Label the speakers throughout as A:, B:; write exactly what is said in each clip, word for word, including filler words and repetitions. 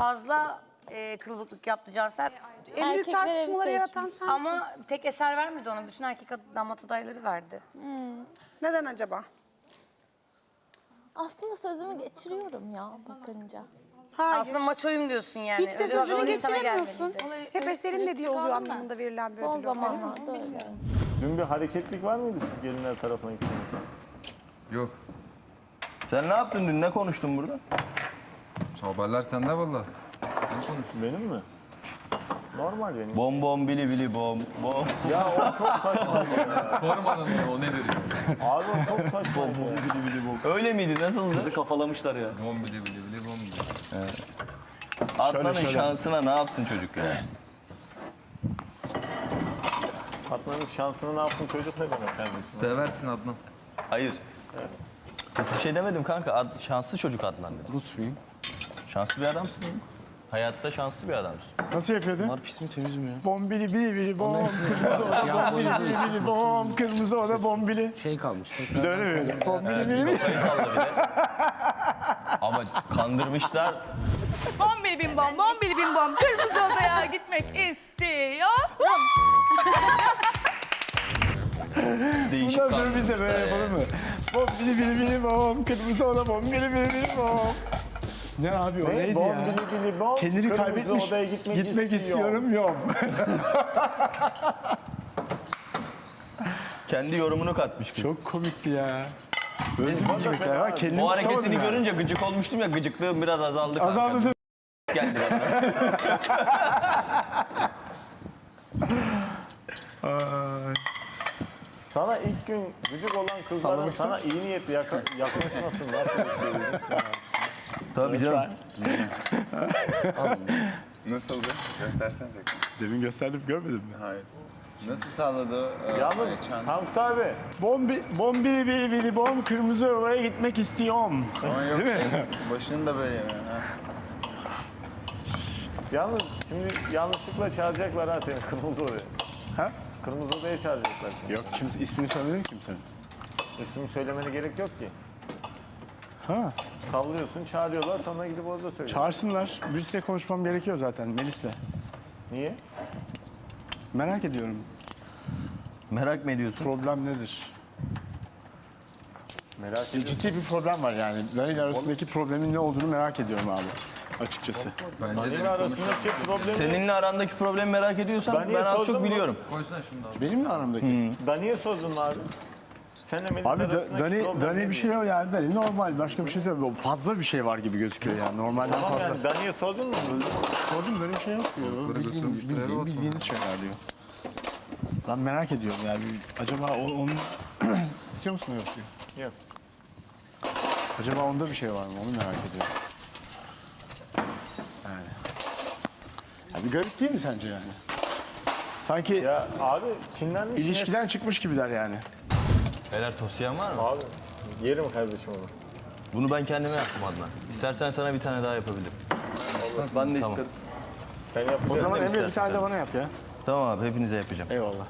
A: fazla e, kırılıklık yaptı Cansel.
B: En büyük
C: Erkekler
B: tartışmaları
C: evi
B: yaratan sensin.
A: Ama tek eser vermedi ona. Bütün erkek damat adayları verdi.
B: Neden acaba?
C: Aslında sözümü geçiriyorum ya bakınca.
B: Hayır.
A: Aslında maçoyum diyorsun yani.
B: Hiç de
A: Ödül o
B: sözünü
A: zaman insana
B: geçiremiyorsun.
A: gelmeliydi.
B: Hep eserin dediği oluyor anlamında verilen bir
C: Son
B: ödül.
C: zamanlarda öyle.
D: Dün bir hareketlik var mıydı siz gelinler tarafına gittiğinizde?
E: Yok.
F: Sen ne yaptın dün? Ne konuştun burada?
E: Haberler sende valla. Sen konuştun.
D: Benim mi? Normal benim.
F: Bom bom bili bili bom bom.
D: Ya o çok saçma.
E: Sormadan onu, o ne dedi?
D: Abi o çok saçma.
F: Bili bili bom. Öyle miydi? Nasıldı? Kızı kafalamışlar ya.
E: Bom bili bili bili bom bili.
F: Adnan'ın şansına ne yapsın çocuk ya?
D: Fatma'nın şansını ne yapsın çocuk ne demek kardeşim?
E: Seversin Adnan.
F: Hayır. Kötü bir şey demedim kanka. Ad, şanslı çocuk Adnan dedim.
G: Unutmayayım.
F: Şanslı bir adamsın. Hayatta şanslı bir adamsın.
G: Nasıl yapıyordu?
H: Bunlar pis mi temiz mi ya?
G: Bombili bili bili bom, kırmızı oda
H: Ya
G: bombili
H: boyunca
G: bili bili bom, kırmızı oda bombili.
H: Şey kalmış.
G: Bir de öyle mi? Bombili bili bili.
F: Kafayı salla bir de. Ama kandırmışlar.
I: Bombili bim bom, bombili bim bom. Kırmızı odaya gitmek istiyorum.
F: Değişik
G: Bundan sonra
F: kandırmışlar
G: biz de böyle
F: ya.
G: yapalım mı? Bombili bili bili bom, kırmızı oda bombili bili bili bom. Ne abi o
D: Ne?
G: neydi
D: Bom
G: ya?
D: bili bili bom.
G: Kendini
D: kırmızı
G: kaybetmiş.
D: odaya gitmek,
G: Gitmek
D: istiyor.
G: istiyorum yok.
F: Kendi yorumunu katmış kız.
G: Çok komikti ya. Böyle bir gıcıklıklar var. Kendimi
F: O
G: tutamadım
F: hareketini
G: yani.
F: görünce gıcık olmuştum ya, gıcıklığım biraz azaldı kanka.
G: Azaldı değil mi?
F: Geldi bana.
G: Ay.
D: Sana ilk gün gıcık olan kızların sana iyi niyetli yaka- yaklaşmasın nasıl bekliyordun sen?
F: Tabii canım.
J: Nasıldı? Göstersene tekrar.
G: Demin gösterdim görmedin mi?
J: Hayır. Nasıl sağladı? Ee,
D: Yalnız
J: Ayça'nın?
D: Tankut abi
G: Bombi, bombili bili bili bom, kırmızı ovaya gitmek istiyorum.
J: Ama yok şey, başını da böyle yani. Ha.
D: yalnız şimdi yanlışlıkla çağıracaklar ha seni kırmızı odaya.
G: Ha?
D: Kırmızı odaya çağıracaklar seni.
G: Yok kimse ismini söylemedi kimsenin.
D: İsmini söylemene gerek yok ki.
G: Ha,
D: Sallıyorsun çağırıyorlar sonra gidip orada söylüyorsun.
G: çağırsınlar. Birisiyle konuşmam gerekiyor zaten Melis'le.
D: Niye?
G: Merak ediyorum.
F: Merak mı ediyorsun?
G: Problem nedir?
D: Merak
G: E,
D: ediyorum.
G: ciddi bir problem var yani. Dani ile arasındaki problemin ne olduğunu merak ediyorum abi. Açıkçası.
E: Bence de
D: Dani'nin
E: bir
D: arasındaki problemi...
F: Seninle arandaki problemi merak ediyorsan
D: Ben niye
F: ben az
D: sordun
F: çok
D: mu?
F: biliyorum.
E: Koysana şunu da abi.
G: Benimle aramdaki.
D: Dani'ye sordun mu abi? Senle Melis
G: Abi Da-
D: arasındaki
G: Dani,
D: problem
G: Dani
D: ne
G: bir şey
D: diyor?
G: yok yani. Dani normal. Başka bir şey söylemiyor. Fazla bir şey var gibi gözüküyor yani. Normalden
D: Tamam
G: fazla.
D: yani Dani'ye sordun mu?
G: Sordum böyle bir şey yok diyor.
E: Böyle
G: Bildiğin,
E: götürmüşler, eve
G: bildiğin,
E: atma.
G: bildiğiniz şeyler diyor. Ben merak ediyorum yani. Acaba o, onun... İstiyor musun yok diyor.
D: Yok.
G: Acaba onda bir şey var mı? Onu merak ediyorum. Yani. Ya bir garip değil mi sence yani? Sanki
D: Ya abi Çinlenmiş
G: ilişkiden çıkmış gibiler yani.
F: Beyler tosyan var mı?
D: Abi yerim kardeşim onu.
F: Bunu ben kendime yaptım Adnan. İstersen sana bir tane daha yapabilirim.
H: Ben de
F: Tamam.
H: istedim.
D: Sen yap.
G: O zaman
F: mi
G: Emre bir
F: istersin
G: tane de
F: kardeşim?
G: bana yap ya.
F: Tamam abi, hepinize yapacağım.
G: Eyvallah.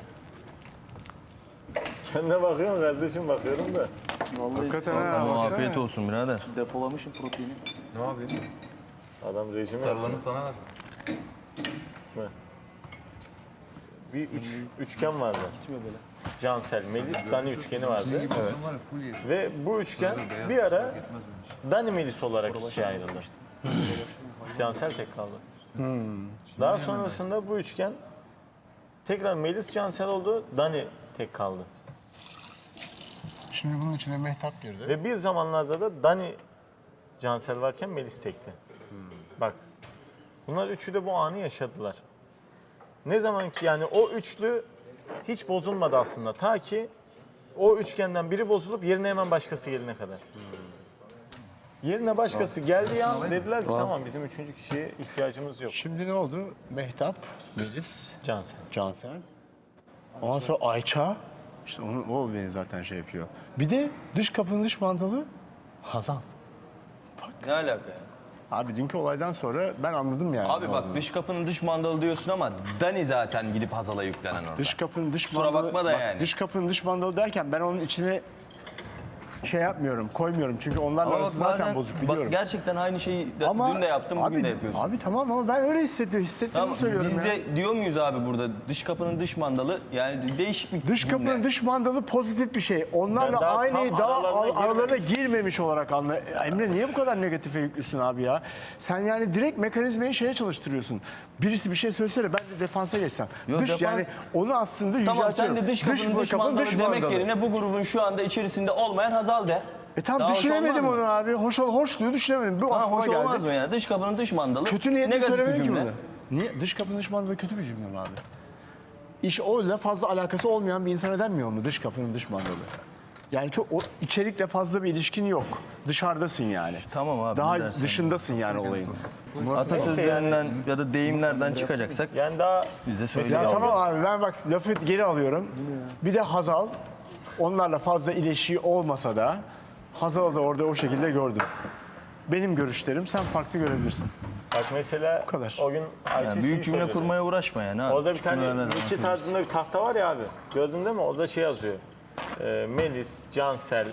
D: Kendine bakıyorum kardeşim bakıyorum da.
H: Vallahi
G: Hakikaten ha.
F: Ama
G: baksana.
F: afiyet olsun birader.
H: depolamışım proteini.
E: Ne yapayım?
D: Adam rejime
E: Sarılanı sana ver.
D: yaptı. Bir üç, üçgen vardı.
H: Gitmiyor böyle.
D: Cansel, Melis, Dani üçgeni vardı.
E: Senin gibi olsun var ya full yedi.
D: Ve bu üçgen
E: Beyaz
D: bir ara
E: yetmez benim için.
D: Dani Melis olarak ikiye ayrıldı. Cansel tek kaldı. Daha sonrasında bu üçgen tekrar Melis Cansel oldu, Dani tek kaldı.
G: Şimdi bunun içine Mehtap girdi.
D: Ve bir zamanlarda da Dani Cansel varken Melis tekti. Bak. Bunlar üçü de bu anı yaşadılar. Ne zaman ki yani o üçlü hiç bozulmadı aslında. Ta ki o üçgenden biri bozulup yerine hemen başkası gelene kadar. Yerine başkası geldiği an dediler ki tamam bizim üçüncü kişiye ihtiyacımız yok.
G: Şimdi ne oldu? Mehtap, Melis,
D: Cansel.
G: Cansel. Ondan sonra Ayça. İşte onu, o beni zaten şey yapıyor. Bir de dış kapının dış mandalı Hazal.
F: Ne alaka ya?
G: Abi dünkü olaydan sonra ben anladım yani.
F: Abi
G: ne
F: bak
G: olduğunu.
F: dış kapının dış mandalı diyorsun ama Dani zaten gidip Hazal'a yüklenen orada.
G: Dış kapının dış
F: Kusura
G: mandalı.
F: bakma da
G: bak,
F: yani.
G: Dış kapının dış mandalı derken ben onun içine şey yapmıyorum, koymuyorum. Çünkü onlarla
F: Ama
G: arası
F: bak
G: zaten
F: bazen-
G: bozuk
F: bak
G: biliyorum.
F: gerçekten aynı şeyi de-
G: Ama
F: dün de yaptım,
G: abi,
F: bugün de yapıyorsun.
G: Abi tamam ama ben öyle hissediyorum, hissettiğimi
F: Tamam,
G: söylüyorum
F: biz
G: ya.
F: de diyor muyuz abi burada dış kapının dış mandalı yani değişik bir
G: Dış
F: cümle.
G: kapının dış mandalı pozitif bir şey. Onlarla
D: Ben daha
G: aynı,
D: tam
G: daha
D: aralarına
G: ar- aralarına
D: girmemiş.
G: girmemiş olarak anla. Emre niye bu kadar negatife yüklüsün abi ya? Sen yani direkt mekanizmayı şeye çalıştırıyorsun. Birisi bir şey söylesene ben de defansa geçsem.
F: Yok,
G: dış
F: defans-
G: yani onu aslında
F: Tamam sen
G: yüceltiyorum.
F: de dış kapının dış, mandalı demek yerine bu grubun şu anda içerisinde olmayan Hazal de.
G: E tamam
F: Daha hoş
G: düşünemedim
F: olmaz
G: onu
F: mı?
G: abi. Hoş ol, hoşluğu düşünemedim. Bu
F: Ha,
G: aklıma
F: hoş
G: geldi.
F: olmaz mı ya? Dış kapının dış mandalı.
G: Kötü niyetle
F: negatif bir
G: söylemedim ki
F: cümle.
G: bunu. Niye? Dış kapının dış mandalı kötü bir cümle mi abi? İş öyle fazla alakası olmayan bir insana denmiyor mu dış kapının dış mandalı? Yani çok o içerikle fazla bir ilişkin yok. Dışarıdasın yani.
F: Tamam abi,
G: Daha
F: ne dersen.
G: dışındasın yani olayın.
F: Atasözlerinden ya da deyimlerden çıkacaksak
D: Yani daha
F: biz de
G: Ya
F: söyleyelim.
G: tamam abi ben bak lafı geri alıyorum. Bir de Hazal onlarla fazla ilişki olmasa da Hazal'ı da orada o şekilde gördüm. Benim görüşlerim sen farklı görebilirsin.
D: bak mesela
G: kadar.
D: o gün Ayşe
F: Yani
D: şeyi
F: büyük cümle
D: söyledi.
F: kurmaya uğraşma yani. abi.
D: Orada bir
F: Küçük
D: tane
F: cümlelerle
D: Nietzsche
F: konuşuruz.
D: tarzında bir tahta var ya abi. Gördün değil mi? Orada şey yazıyor. Ee, Melis, Cansel,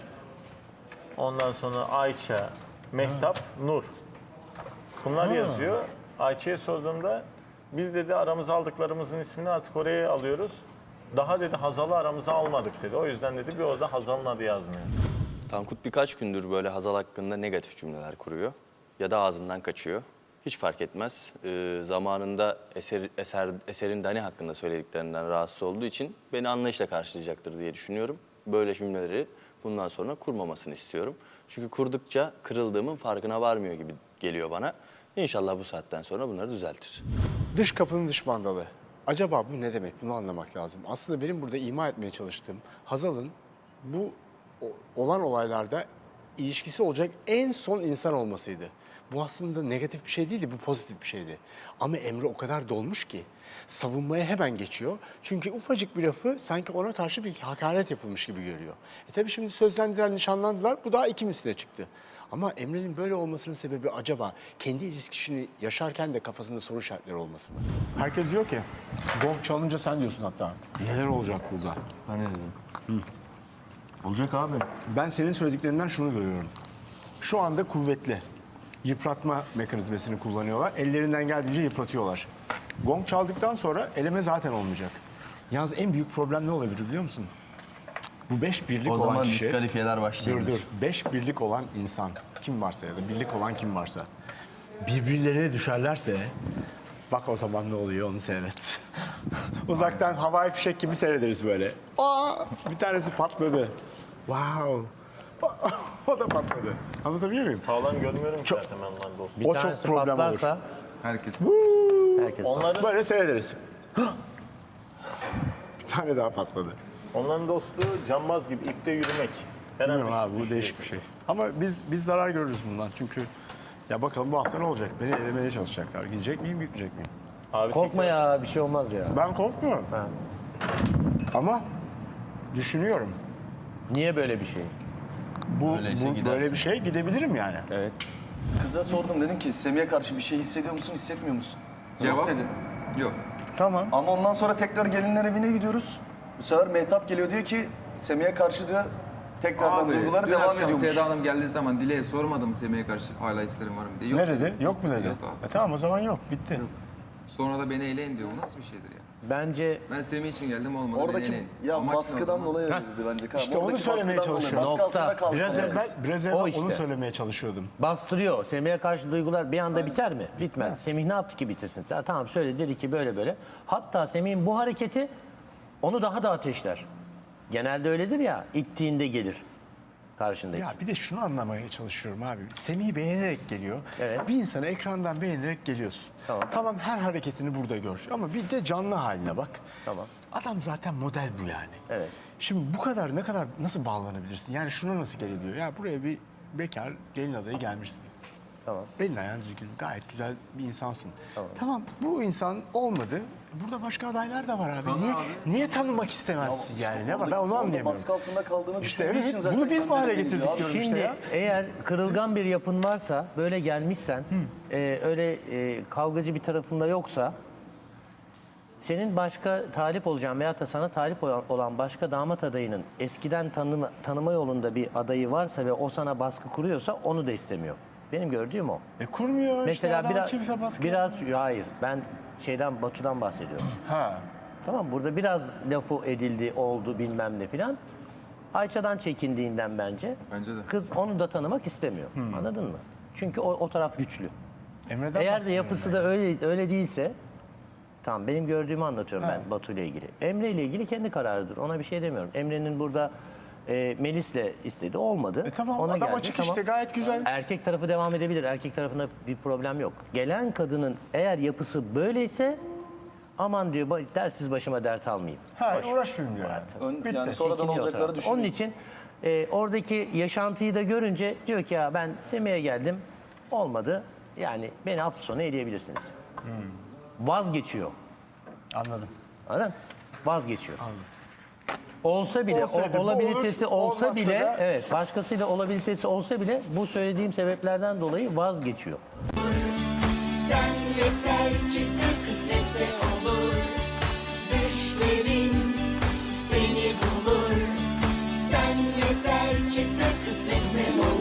D: ondan sonra Ayça, Mehtap, Nur. Bunlar yazıyor. Ayça'ya sorduğumda biz dedi aramıza aldıklarımızın ismini artık oraya alıyoruz. Daha dedi Hazal'ı aramıza almadık dedi. O yüzden dedi bir orada Hazal'ın adı yazmıyor.
K: Tankut birkaç gündür böyle Hazal hakkında negatif cümleler kuruyor ya da ağzından kaçıyor. Hiç fark etmez. Ee, zamanında eser, eser, eserin Dani hakkında söylediklerinden rahatsız olduğu için beni anlayışla karşılayacaktır diye düşünüyorum. Böyle cümleleri bundan sonra kurmamasını istiyorum. Çünkü kurdukça kırıldığımın farkına varmıyor gibi geliyor bana. İnşallah bu saatten sonra bunları düzeltir.
G: Dış kapının dış mandalı. Acaba bu ne demek? Bunu anlamak lazım. Aslında benim burada ima etmeye çalıştığım Hazal'ın bu o- olan olaylarda ilişkisi olacak en son insan olmasıydı. Bu aslında negatif bir şey değildi, bu pozitif bir şeydi. Ama Emre o kadar dolmuş ki savunmaya hemen geçiyor. Çünkü ufacık bir lafı sanki ona karşı bir hakaret yapılmış gibi görüyor. E tabii şimdi sözlendiler, nişanlandılar. Bu daha iki misline çıktı. Ama Emre'nin böyle olmasının sebebi acaba kendi ilişkisini yaşarken de kafasında soru işaretleri olması mı? Herkes diyor ki, gong çalınca sen diyorsun hatta. Neler olacak burada?
F: Ben ne dedim? Olacak abi.
G: Ben senin söylediklerinden şunu görüyorum. Şu anda kuvvetli. Yıpratma mekanizmasını kullanıyorlar. Ellerinden geldiğince yıpratıyorlar. Gong çaldıktan sonra eleme zaten olmayacak. Yalnız en büyük problem ne olabilir biliyor musun? Bu beş birlik
F: O
G: olan
F: zaman
G: kişi...
F: diskalifiyeler
G: Dur
F: başlayabilir.
G: dur. Beş birlik olan insan kim varsa ya da birlik olan kim varsa birbirlerine düşerlerse bak o zaman ne oluyor onu seyret. Uzaktan havai fişek gibi seyrederiz böyle. Aa, bir tanesi patladı. Wow. O da patladı. Anlatabiliyor muyum?
D: Sağlam görmüyorum ki zaten ben onların dostum.
G: O çok problem olur.
E: Herkes
H: Herkes
D: Onların,
G: Böyle seyrederiz. Bir tane daha patladı.
D: onların dostluğu cambaz gibi ipte yürümek. Her an
G: Bilmiyorum abi bu
D: düşecek.
G: değişik bir şey. Ama biz biz zarar görürüz bundan çünkü ya bakalım bu hafta ne olacak? Beni elemeye çalışacaklar. Gidecek miyim, gitmeyecek miyim?
D: Abi
H: korkma ya bir şey olmaz ya.
G: Ben korkmuyorum. Ama düşünüyorum.
H: Niye böyle bir şey?
G: Bu,
F: Öyleyse
G: bu
F: gidersin.
G: böyle bir şey gidebilirim yani.
H: Evet. Kıza sordum dedim ki Semih'e karşı bir şey hissediyor musun, hissetmiyor musun?
E: Cevap?
H: Yok dedi.
E: yok.
G: Tamam.
H: Ama ondan sonra tekrar gelinler evine gidiyoruz. Bu sefer Mehtap geliyor diyor ki Semih'e karşı diyor tekrardan
E: Abi
H: duyguları
E: dün
H: devam
E: akşam
H: ediyormuş.
E: Seda Hanım geldiği zaman Dile'ye sormadım Semih'e karşı hala isterim var mı diye. Yok.
G: Ne dedi? Yok mu dedi?
E: Yok abi.
G: E tamam o zaman yok. Bitti.
E: Sonra da beni eleyin diyor. Bu nasıl bir şeydir ya?
H: Bence
E: Ben Semih için geldim olmadı beni
H: Oradaki
E: eleyin.
H: ya
E: Amaç ne o
H: baskıdan
E: zaman?
H: dolayı öyle dedi bence. Kaan.
G: İşte onu
H: Oradaki
G: söylemeye
H: baskıdan dolayı,
G: çalışıyorum.
H: Baskı
C: Nokta.
H: altında kaldı.
G: Biraz
H: Evet.
G: evvel, biraz evvel
C: O
G: onu
C: işte.
G: söylemeye çalışıyordum.
C: bastırıyor. Semih'e karşı duygular bir anda biter mi? Bitmez. Semih ne yaptı ki bitirsin? Ya tamam söyle dedi ki böyle böyle. Hatta Semih'in bu hareketi onu daha da ateşler. Genelde öyledir ya, ittiğinde gelir karşındaki.
G: Ya bir de şunu anlamaya çalışıyorum abi. Semih'i beğenerek geliyor.
C: Evet.
G: Bir insanı ekrandan beğenerek geliyorsun.
C: Tamam.
G: Tamam her hareketini burada gör. Ama bir de canlı haline bak.
C: Tamam.
G: Adam zaten model bu yani.
C: Evet.
G: Şimdi bu kadar ne kadar nasıl bağlanabilirsin? Yani şuna nasıl gelebiliyor? Ya buraya bir bekar gelin adayı gelmişsin.
C: Tamam.
G: Belin ayağın düzgün, gayet güzel bir insansın.
C: Tamam.
G: Tamam, bu insan olmadı. Burada başka adaylar da var abi.
E: Tanı
G: niye
E: abi.
G: niye tanımak istemezsin yani? Ne var? Ben onu
H: Orada
G: anlayamıyorum.
H: baskı altında kaldığını
G: İşte
H: düşündüğü
G: evet,
H: için zaten
G: bunu biz bu hale
H: kendini
G: getirdik
H: biliyor abi.
G: diyoruz.
C: Şimdi
G: işte ya.
C: eğer kırılgan bir yapın varsa, böyle gelmişsen, e, öyle e, kavgacı bir tarafında yoksa senin başka talip olacağın veyahut da sana talip olan, olan başka damat adayının eskiden tanıma, tanıma yolunda bir adayı varsa ve o sana baskı kuruyorsa onu da istemiyor. Benim gördüğüm o.
G: E kurmuyor
C: Mesela
G: işte adam
C: biraz,
G: kimse baskı
C: biraz hayır ben şeyden Batu'dan bahsediyorum.
G: Ha.
C: Tamam burada biraz lafı edildi, oldu bilmem ne filan. Ayça'dan çekindiğinden bence.
E: Bence de.
C: Kız onu da tanımak istemiyor. Anladın mı? Çünkü o, o taraf güçlü.
G: Emre'den
C: Eğer de
G: bahsediyorum
C: yapısı da öyle öyle değilse, tamam benim gördüğümü anlatıyorum ben Batu ile ilgili. Emre ile ilgili kendi kararıdır. Ona bir şey demiyorum. Emre'nin burada e, Melis'le istedi olmadı.
G: E tamam,
C: Ona
G: adam
C: geldi,
G: açık
C: tamam.
G: işte, gayet güzel.
C: Erkek tarafı devam edebilir. Erkek tarafında bir problem yok. Gelen kadının eğer yapısı böyleyse aman diyor "ba- dersiz başıma dert almayayım.
G: Ha
C: Boş.
G: uğraşmayayım diyor yani.
H: Ön,
G: Bitti.
H: yani sonradan
C: Çekiniyor o
H: olacakları
C: tarafta.
H: düşünüyor.
C: Onun için e, oradaki yaşantıyı da görünce diyor ki ya ben Semih'e geldim olmadı. Yani beni hafta sonu eleyebilirsiniz. Vazgeçiyor.
G: Anladım.
C: Anladın mı? Vazgeçiyor. Olsa bile,
G: Olsaydı
C: o,
G: bu
C: olabilitesi
G: olur,
C: olsa
G: olmazsa
C: bile,
G: da-
C: evet başkasıyla olabilitesi olsa bile bu söylediğim sebeplerden dolayı vazgeçiyor.
L: Sen yeter ki sen kısmetse olur. Düşlerin seni bulur. Sen yeter ki sen kısmetse olur.